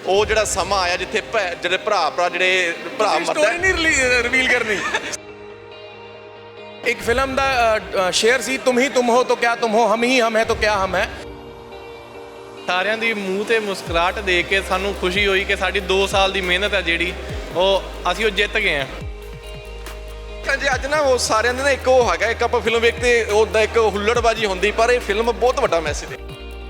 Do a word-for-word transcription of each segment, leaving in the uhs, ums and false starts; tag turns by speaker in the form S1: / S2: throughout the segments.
S1: ਉਹ ਜਿਹੜਾ ਸਮਾਂ ਆਇਆ ਜਿੱਥੇ ਭੈ- ਜਿਹੜੇ ਭਰਾ ਭਰਾ ਜਿਹੜੇ ਭਰਾ ਮਰਦੇ
S2: स्टोरी नहीं रिवील करनी। एक फिल्म ਦਾ ਸ਼ੇਅਰ ਸੀ, तुम ही तुम हो तो क्या तुम हो, हम ही हम है तो क्या हम है।
S3: ਸਾਰਿਆਂ ਦੀ ਮੂੰਹ ਤੇ ਮੁਸਕਰਾਹਟ ਦੇਖ ਕੇ ਸਾਨੂੰ ਖੁਸ਼ੀ ਹੋਈ ਕਿ ਸਾਡੀ ਦੋ ਸਾਲ ਦੀ ਮਿਹਨਤ ਹੈ ਜਿਹੜੀ ਉਹ ਅਸੀਂ ਉਹ ਜਿੱਤ ਗਏ ਹਾਂ।
S1: ਜੀ ਅੱਜ ਨਾ ਉਹ ਸਾਰਿਆਂ ਦੇ ਨਾ ਇੱਕ ਉਹ ਹੈਗਾ, ਇੱਕ ਆਪਾਂ ਫਿਲਮ ਵੇਖਦੇ ਉਹਦਾ ਇੱਕ ਹੁੱਲੜਬਾਜੀ ਹੁੰਦੀ, ਪਰ ਇਹ ਫਿਲਮ ਬਹੁਤ ਵੱਡਾ ਮੈਸੇਜ ਹੈ।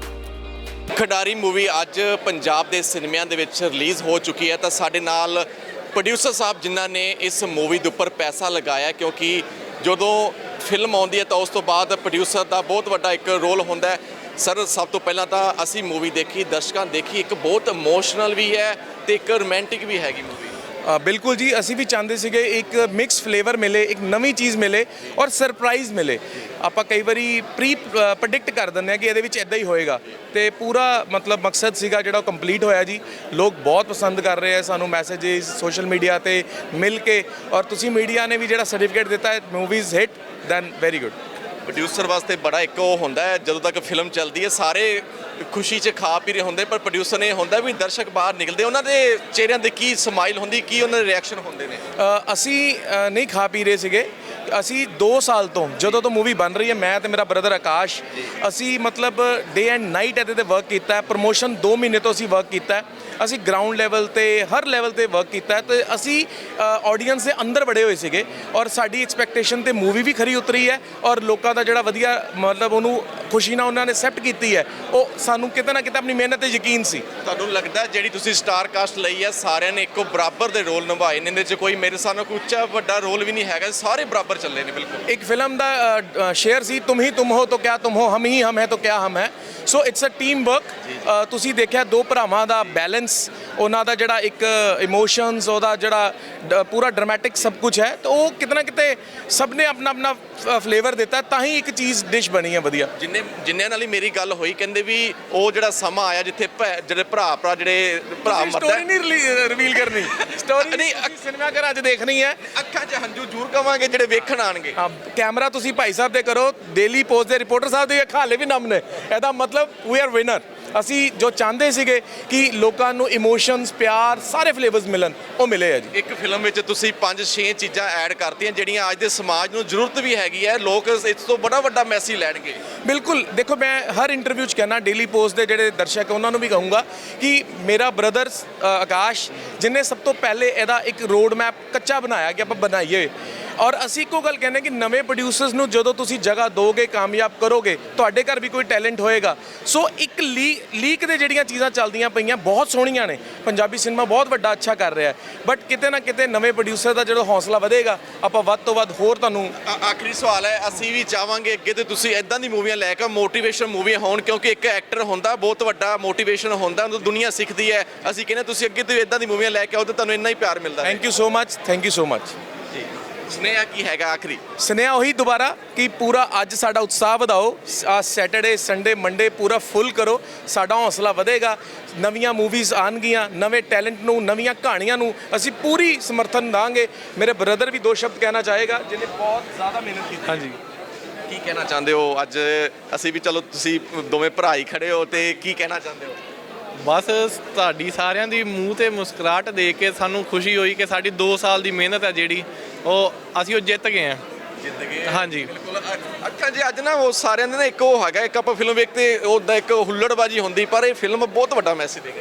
S1: ਖਿਡਾਰੀ ਮੂਵੀ ਅੱਜ ਪੰਜਾਬ ਦੇ ਸਿਨੇਮਿਆਂ ਦੇ ਵਿੱਚ ਰਿਲੀਜ਼ ਹੋ ਚੁੱਕੀ ਹੈ ਤਾਂ ਸਾਡੇ ਨਾਲ ਪ੍ਰੋਡਿਊਸਰ ਸਾਹਿਬ ਜਿਨ੍ਹਾਂ ਨੇ ਇਸ ਮੂਵੀ ਦੇ ਉੱਪਰ ਪੈਸਾ ਲਗਾਇਆ, ਕਿਉਂਕਿ ਜਦੋਂ ਫਿਲਮ ਆਉਂਦੀ ਹੈ ਤਾਂ ਉਸ ਤੋਂ ਬਾਅਦ ਪ੍ਰੋਡਿਊਸਰ ਦਾ ਬਹੁਤ ਵੱਡਾ ਇੱਕ ਰੋਲ ਹੁੰਦਾ ਹੈ। ਸਰ ਸਭ ਤੋਂ ਪਹਿਲਾਂ ਤਾਂ ਅਸੀਂ ਮੂਵੀ ਦੇਖੀ, ਦਰਸ਼ਕਾਂ ਦੇਖੀ, ਇੱਕ ਬਹੁਤ ਇਮੋਸ਼ਨਲ ਵੀ ਹੈ ਤੇ ਇੱਕ ਰੋਮਾਂਟਿਕ ਵੀ ਹੈਗੀ ਮੂਵੀ।
S2: ਬਿਲਕੁਲ ਜੀ, ਅਸੀਂ ਵੀ ਚਾਹੁੰਦੇ ਸੀਗੇ ਇੱਕ ਮਿਕਸ ਫਲੇਵਰ ਮਿਲੇ, ਇੱਕ ਨਵੀਂ ਚੀਜ਼ ਮਿਲੇ ਔਰ ਸਰਪ੍ਰਾਈਜ਼ ਮਿਲੇ। ਆਪਾਂ ਕਈ ਵਾਰੀ ਪ੍ਰੀ ਪ੍ਰੈਡਿਕਟ ਕਰ ਦਿੰਦੇ ਆ ਕਿ ਇਹਦੇ ਵਿੱਚ ਇਦਾਂ ਹੀ ਹੋਏਗਾ ਤੇ ਪੂਰਾ ਮਤਲਬ ਮਕਸਦ ਸੀਗਾ ਜਿਹੜਾ ਉਹ ਕੰਪਲੀਟ ਹੋਇਆ ਜੀ। ਲੋਕ ਬਹੁਤ ਪਸੰਦ ਕਰ ਰਹੇ ਆ ਸਾਨੂੰ ਮੈਸੇजेस ਸੋਸ਼ਲ ਮੀਡੀਆ ਤੇ ਮਿਲ ਕੇ, ਔਰ ਤੁਸੀਂ ਮੀਡੀਆ ਨੇ ਵੀ ਜਿਹੜਾ ਸਰਟੀਫਿਕੇਟ ਦਿੱਤਾ ਹੈ movies hit, then very good.
S1: Producer ਵਾਸਤੇ ਬੜਾ ਇੱਕ ਉਹ ਹੁੰਦਾ ਹੈ, ਜਦੋਂ ਤੱਕ ਫਿਲਮ ਚੱਲਦੀ ਹੈ ਸਾਰੇ ਖੁਸ਼ੀ 'ਚ ਖਾ ਪੀ ਰਹੇ ਹੁੰਦੇ, ਪਰ ਪ੍ਰੋਡਿਊਸਰ ਨੇ ਹੁੰਦਾ ਵੀ ਦਰਸ਼ਕ ਬਾਹਰ ਨਿਕਲਦੇ ਉਹਨਾਂ ਦੇ ਚਿਹਰਿਆਂ ਤੇ ਕੀ ਸਮਾਈਲ ਹੁੰਦੀ, ਕੀ ਉਹਨਾਂ ਦੇ ਰਿਐਕਸ਼ਨ ਹੁੰਦੇ ਨੇ।
S2: ਅ, ਅਸੀਂ ਅ, ਨਹੀਂ ਖਾ ਪੀ ਰਹੇ ਸੀਗੇ। ਅਸੀਂ ਦੋ ਸਾਲ ਤੋਂ ਜਦੋਂ ਤੋਂ ਮੂਵੀ ਬਣ ਰਹੀ ਹੈ, ਮੈਂ ਤੇ ਮੇਰਾ ਬ੍ਰਦਰ ਆਕਾਸ਼, ਅਸੀਂ ਮਤਲਬ ਡੇ ਐਂਡ ਨਾਈਟ ਇਹਦੇ ਤੇ ਵਰਕ ਕੀਤਾ ਹੈ। ਪ੍ਰਮੋਸ਼ਨ ਦੋ ਮਹੀਨੇ ਤੋਂ ਅਸੀਂ ਵਰਕ ਕੀਤਾ ਹੈ। ਅਸੀਂ ਗਰਾਊਂਡ ਲੈਵਲ ਤੇ ਹਰ ਲੈਵਲ ਤੇ ਵਰਕ ਕੀਤਾ ਤੇ ਅਸੀਂ ਆਡੀਅנס ਦੇ ਅੰਦਰ ਵੜੇ ਹੋਏ ਸੀਗੇ ਔਰ ਸਾਡੀ ਐਕਸਪੈਕਟੇਸ਼ਨ ਤੇ ਮੂਵੀ ਵੀ ਖਰੀ ਉਤਰੀ ਹੈ ਔਰ ਲੋਕਾਂ ਦਾ ਜਿਹੜਾ ਵਧੀਆ ਮਤਲਬ ਉਹਨੂੰ ਖੁਸ਼ੀ ਨਾਲ ਉਹਨਾਂ ਨੇ ਐਕਸੈਪਟ ਕੀਤੀ ਹੈ। ਉਹ ਸਾਨੂੰ ਕਿਤੇ ਨਾ ਕਿਤੇ ਆਪਣੀ ਮਿਹਨਤ ਤੇ ਯਕੀਨ ਸੀ।
S1: ਤੁਹਾਨੂੰ ਲੱਗਦਾ ਜਿਹੜੀ ਤੁਸੀਂ ਸਟਾਰ ਕਾਸਟ ਲਈ ਹੈ ਸਾਰਿਆਂ ਨੇ ਇੱਕੋ ਬਰਾਬਰ ਦੇ ਰੋਲ ਨਿਭਾਏ ਨੇ, ਇਹਦੇ 'ਚ ਕੋਈ ਮੇਰੇ ਹਿਸਾਬ ਨਾਲ ਕੋਈ ਉੱਚਾ ਵੱਡਾ ਰੋਲ ਵੀ ਨਹੀਂ ਹੈਗਾ, ਸਾਰੇ ਬਰਾਬਰ ਚੱਲੇ ਨੇ ਬਿਲਕੁਲ।
S2: ਇੱਕ ਫਿਲਮ ਦਾ ਸ਼ੇਅਰ ਸੀ, तुम ही तुम हो तो क्या तुम हो, हम ही हम है तो क्या हम है। So it's a team work. ਤੁਸੀਂ ਦੇਖਿਆ ਦੋ ਭਰਾਵਾਂ ਦਾ ਬੈਲੈਂਸ, ਉਹਨਾਂ ਦਾ ਜਿਹੜਾ ਇੱਕ ਇਮੋਸ਼ਨਸ, ਉਹਦਾ ਜਿਹੜਾ ਡ- ਪੂਰਾ ਡਰਾਮੈਟਿਕ ਸਭ ਕੁਝ ਹੈ, ਤਾਂ ਉਹ ਕਿਤੇ ਨਾ ਕਿਤੇ ਸਭ ਨੇ ਆਪਣਾ ਆਪਣਾ ਫਲੇਵਰ ਦਿੱਤਾ, ਤਾਂ ਹੀ ਇੱਕ ਚੀਜ਼ ਡਿਸ਼ ਬਣੀ ਹੈ ਵਧੀਆ।
S1: ਜਿੰਨੇ ਜਿੰਨਿਆਂ ਨਾਲ ਹੀ ਮੇਰੀ ਗੱਲ ਹੋਈ ਕਹਿੰਦੇ ਵੀ ਉਹ ਜਿਹੜਾ ਸਮਾਂ ਆਇਆ ਜਿੱਥੇ ਭੈ- ਜਿਹੜੇ ਭਰਾ ਭਰਾ ਜਿਹੜੇ ਭਰਾ ਮਰਦੇ
S2: ਸਟੋਰੀ ਨਹੀਂ ਰਿਵੀਲ ਕਰਨੀ। ਸਟੋਰੀ ਨਹੀਂ ਸਿਨੇਮਾ ਘਰ ਅੱਜ ਦੇਖਣੀ ਹੈ।
S1: ਅੱਖਾਂ 'ਚ ਹੰਝੂ ਜ਼ਰੂਰ ਕਵਾਂਗੇ ਜਿਹੜੇ ਵੇਖਣ ਆਣਗੇ।
S2: ਹਾਂ, ਕੈਮਰਾ ਤੁਸੀਂ ਭਾਈ ਸਾਹਿਬ ਦੇ ਕਰੋ, ਡੇਲੀ ਪੋਸਟ ਦੇ ਰਿਪੋਰਟਰ ਸਾਹਿਬ ਦੇ ਅੱਖਾਂ ਹਾਲੇ ਵੀ ਨਮ ਨੇ। ਇਹਦਾ ਮਤਲਬ ਵੀ ਆਰ ਵਿਨਰ। ਅਸੀਂ ਜੋ ਚਾਹੁੰਦੇ ਸੀਗੇ ਕਿ ਲੋਕਾਂ ਨੂੰ ਇਮੋਸ਼ਨਸ, ਪਿਆਰ, ਸਾਰੇ ਫਲੇਵਰਸ ਮਿਲਣ, ਉਹ ਮਿਲੇ ਆ ਜੀ।
S1: ਇੱਕ ਫਿਲਮ ਵਿੱਚ ਤੁਸੀਂ ਪੰਜ ਛੇ ਚੀਜ਼ਾਂ ਐਡ ਕਰਤੀਆਂ ਜਿਹੜੀਆਂ ਅੱਜ ਦੇ ਸਮਾਜ ਨੂੰ ਜ਼ਰੂਰਤ ਵੀ ਹੈਗੀ ਹੈ, ਲੋਕ ਇਸ ਤੋਂ ਬੜਾ ਵੱਡਾ ਮੈਸੇਜ ਲੈਣਗੇ।
S2: ਬਿਲਕੁਲ, ਦੇਖੋ ਮੈਂ ਹਰ ਇੰਟਰਵਿਊ 'ਚ ਕਹਿਣਾ, ਡੇਲੀ ਪੋਸਟ ਦੇ ਜਿਹੜੇ ਦਰਸ਼ਕ ਉਹਨਾਂ ਨੂੰ ਵੀ ਕਹੂੰਗਾ ਕਿ ਮੇਰਾ ਬ੍ਰਦਰ ਆਕਾਸ਼ ਜਿਹਨੇ ਸਭ ਤੋਂ ਪਹਿਲੇ ਇਹਦਾ ਇੱਕ ਰੋਡ ਮੈਪ ਕੱਚਾ ਬਣਾਇਆ ਕਿ ਆਪਾਂ ਬਣਾਈਏ, ਔਰ ਅਸੀਂ ਇੱਕੋ ਗੱਲ ਕਹਿੰਦੇ ਕਿ ਨਵੇਂ ਪ੍ਰੋਡਿਊਸਰਸ ਨੂੰ ਜਦੋਂ ਤੁਸੀਂ ਜਗ੍ਹਾ ਦੋਗੇ, ਕਾਮਯਾਬ ਕਰੋਗੇ, ਤੁਹਾਡੇ ਘਰ ਵੀ ਕੋਈ ਟੈਲੈਂਟ ਹੋਏਗਾ। ਸੋ ਇੱਕ ਲੀ ਲੀਕ ਦੇ ਜਿਹੜੀਆਂ ਚੀਜ਼ਾਂ ਚੱਲਦੀਆਂ ਪਈਆਂ ਬਹੁਤ ਸੋਹਣੀਆਂ ਨੇ, ਪੰਜਾਬੀ ਸਿਨੇਮਾ ਬਹੁਤ ਵੱਡਾ ਅੱਛਾ ਕਰ ਰਿਹਾ ਹੈ, ਬਟ ਕਿਤੇ ਨਾ ਕਿਤੇ ਨਵੇਂ ਪ੍ਰੋਡਿਊਸਰ ਦਾ ਜਦੋਂ ਹੌਸਲਾ ਵਧੇਗਾ, ਆਪਾਂ ਵੱਧ ਤੋਂ ਵੱਧ ਹੋਰ ਤੁਹਾਨੂੰ।
S1: ਆ- ਆਖਰੀ ਸਵਾਲ ਹੈ, ਅਸੀਂ ਵੀ ਚਾਹਾਂਗੇ ਅੱਗੇ ਤੇ ਤੁਸੀਂ ਇਦਾਂ ਦੀ ਮੂਵੀਆਂ ਲੈ ਕੇ ਮੋਟੀਵੇਸ਼ਨ ਮੂਵੀਆਂ ਹੋਣ, ਕਿਉਂਕਿ ਇੱਕ ਐਕਟਰ ਹੁੰਦਾ ਬਹੁਤ ਵੱਡਾ ਮੋਟੀਵੇਸ਼ਨ ਹੁੰਦਾ, ਉਹਨੂੰ ਦੁਨੀਆ ਸਿੱਖਦੀ ਹੈ। ਅਸੀਂ ਕਹਿੰਦੇ ਤੁਸੀਂ ਅੱਗੇ ਤੋਂ ਇਦਾਂ ਦੀ ਮੂਵੀਆਂ ਲੈ ਕੇ ਆਓ ਤੇ ਤੁਹਾਨੂੰ ਇੰਨਾ ਹੀ ਪਿਆਰ ਮਿਲਦਾ ਹੈ।
S2: Thank you so much, thank you so much
S1: ਜੀ ਸੁਨੇਹਾ ਕੀ ਹੈਗਾ ਆਖਰੀ?
S2: ਸੁਨੇਹਾ ਉਹੀ ਦੁਬਾਰਾ ਕਿ ਪੂਰਾ ਅੱਜ ਸਾਡਾ ਉਤਸ਼ਾਹ ਵਧਾਓ, ਆ ਸੈਟਰਡੇ ਸੰਡੇ ਮੰਡੇ ਪੂਰਾ ਫੁੱਲ ਕਰੋ, ਸਾਡਾ ਹੌਸਲਾ ਵਧੇਗਾ, ਨਵੀਆਂ ਮੂਵੀਜ਼ ਆਉਣਗੀਆਂ, ਨਵੇਂ ਟੈਲੈਂਟ ਨੂੰ, ਨਵੀਆਂ ਕਹਾਣੀਆਂ ਨੂੰ ਅਸੀਂ ਪੂਰੀ ਸਮਰਥਨ ਦਾਂਗੇ। ਮੇਰੇ ਬ੍ਰਦਰ ਵੀ ਦੋ ਸ਼ਬਦ ਕਹਿਣਾ ਚਾਹੇਗਾ ਜਿਹਨੇ ਬਹੁਤ ਜ਼ਿਆਦਾ ਮਿਹਨਤ ਕੀਤੀ।
S3: ਹਾਂਜੀ,
S1: ਕੀ ਕਹਿਣਾ ਚਾਹੁੰਦੇ ਹੋ? ਅੱਜ ਅਸੀਂ ਵੀ ਚਲੋ ਤੁਸੀਂ ਦੋਵੇਂ ਭਰਾ ਹੀ ਖੜੇ ਹੋ ਤੇ ਕੀ ਕਹਿਣਾ ਚਾਹੁੰਦੇ ਹੋ?
S3: ਬਸ ਤੁਹਾਡੀ ਸਾਰਿਆਂ ਦੀ ਮੂੰਹ ਤੇ ਮੁਸਕਰਾਹਟ ਦੇਖ ਕੇ ਸਾਨੂੰ ਖੁਸ਼ੀ ਹੋਈ ਕਿ ਸਾਡੀ ਦੋ ਸਾਲ ਦੀ ਮਿਹਨਤ ਹੈ ਜਿਹੜੀ ਉਹ ਅਸੀਂ ਉਹ ਜਿੱਤ ਗਏ ਹਾਂ।
S1: ਜਿੱਤ ਗਏ
S3: ਹਾਂਜੀ,
S1: ਬਿਲਕੁਲ। ਅ- ਅੱਖਾਂ ਜੀ ਅੱਜ ਨਾ ਉਹ ਸਾਰਿਆਂ ਦੇ ਨਾ ਇੱਕ ਉਹ ਹੈਗਾ, ਇੱਕ ਆਪਾਂ ਫਿਲਮ ਵੇਖਦੇ ਉਹਦਾ ਇੱਕ ਹੁੱਲੜਬਾਜੀ ਹੁੰਦੀ, ਪਰ ਇਹ ਫਿਲਮ ਬਹੁਤ ਵੱਡਾ ਮੈਸੇਜ ਦੇ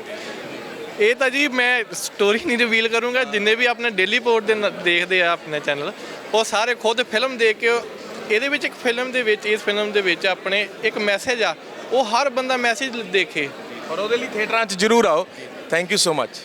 S1: ਗਈ।
S3: ਇਹ ਤਾਂ ਜੀ ਮੈਂ ਸਟੋਰੀ ਨਹੀਂ ਰਿਵੀਲ ਕਰੂੰਗਾ। ਜਿੰਨੇ ਵੀ ਆਪਣੇ ਡੇਲੀ ਪੋਰਟ ਦੇ ਨ- ਦੇਖਦੇ ਆ ਆਪਣੇ ਚੈਨਲ, ਉਹ ਸਾਰੇ ਖੁਦ ਫਿਲਮ ਦੇਖ ਕੇ, ਇਹਦੇ ਵਿੱਚ ਇੱਕ ਫਿਲਮ ਦੇ ਵਿੱਚ ਇਸ ਫਿਲਮ ਦੇ ਵਿੱਚ ਆਪਣੇ ਇੱਕ ਮੈਸੇਜ ਆ, ਉਹ ਹਰ ਬੰਦਾ ਮੈਸੇਜ ਦੇਖੇ
S2: ਔਰ ਉਹਦੇ ਲਈ ਥੀਏਟਰਾਂ 'ਚ ਜ਼ਰੂਰ ਆਓ। Thank you so much.